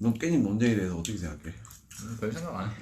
넌 깻잎 논쟁에 대해서 어떻게 생각해? 별 생각 안 해.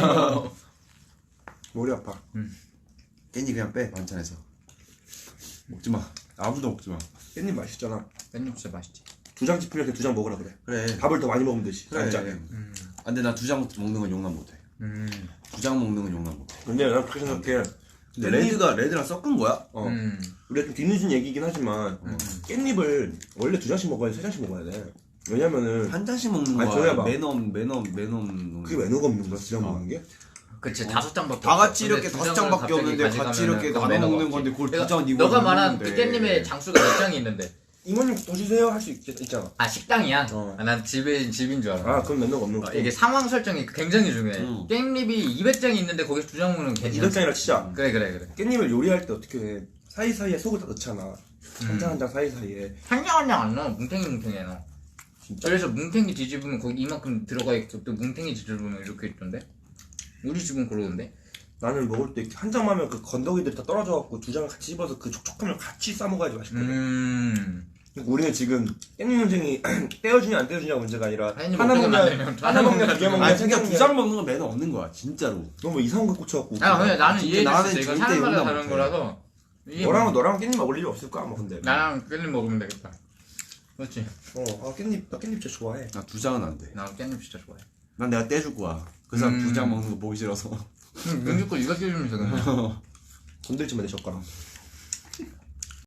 머리 아파. 깻잎 그냥 빼 반찬에서. 먹지마. 아무도 먹지마. 깻잎 맛있잖아. 깻잎 진짜 맛있지. 2장 짚으면 그냥 2장 먹으라 그래. 그래. 밥을 더 많이 먹으면 되지. 그래. 한 장에. 아, 근데 나 2장 먹는 건 용납 못해. 2장 먹는 건 용납 못해. 근데 난 그렇게 생각해. 근데 레드랑 섞은 거야? 우리가 좀 뒤늦은 얘기긴 하지만 깻잎을 원래 2장씩 먹어야 돼, 3장씩 먹어야 돼. 왜냐면은 한 잔씩 먹는 아니, 거야. 조여봐. 매넘. 그게 매너가 없는 거야, 2장 먹는 게? 그치 5장밖에 다 같이 이렇게 5장밖에 없는데 같이 이렇게 나눠 먹는 건데 그걸 2장 니가 너가 말한 그 먹는데. 깻잎의 장수가 몇 장이 있는데 이모님 더 주세요 할 수 있잖아. 아 식당이야? 어. 아, 난 집인 줄 알아. 아, 그럼 매너가 없는 거야. 이게 상황 설정이 굉장히 중요해. 깻잎이 200장이 있는데 거기서 2장 먹는 건 괜찮아. 200장이라 치자. 그래. 깻잎을 요리할 때 어떻게 해? 사이사이에 속을 다 넣잖아. 한 장 한 장 사이사이에. 한 장 안 넣어. 뭉탱이에 넣어. 진짜? 그래서 뭉탱이 뒤집으면 거기 이만큼 들어가 있고 또 뭉탱이 뒤집으면 이렇게 있던데? 우리 집은 그러던데? 나는 먹을 때 한 장만 하면 그 건더기들이 다 떨어져갖고 2장을 같이 씹어서 그 촉촉함을 같이 싸먹어야지 맛있거든. 그러니까 우리는 지금 깻잎 논쟁이 떼어주냐 안 떼어주냐가 문제가 아니라 아니, 하나 먹으면 안 먹냐 되면 하나 먹냐 2개 먹냐 아니 진짜 생각이야. 2장 먹는 건 매너 없는 거야 진짜로. 너무 이상한 거 꽂혀갖고 아 근데 나는 진짜 이해했어. 나는 이거 절대 사람마다 용납 다른 못해. 거라서 이게 너랑 깻잎 먹을 일이 없을 거야 아마 근데. 나랑 깻잎 먹으면 되겠다. 그렇지. 나 깻잎 진짜 좋아해. 나 2장은 안 돼. 나 깻잎 진짜 좋아해. 난 내가 떼줄 거야. 그 사람 2장 먹는 거 보기 싫어서. 눈 죽고 이거 끼우면서 그냥. 건들지 마 내 젓가락.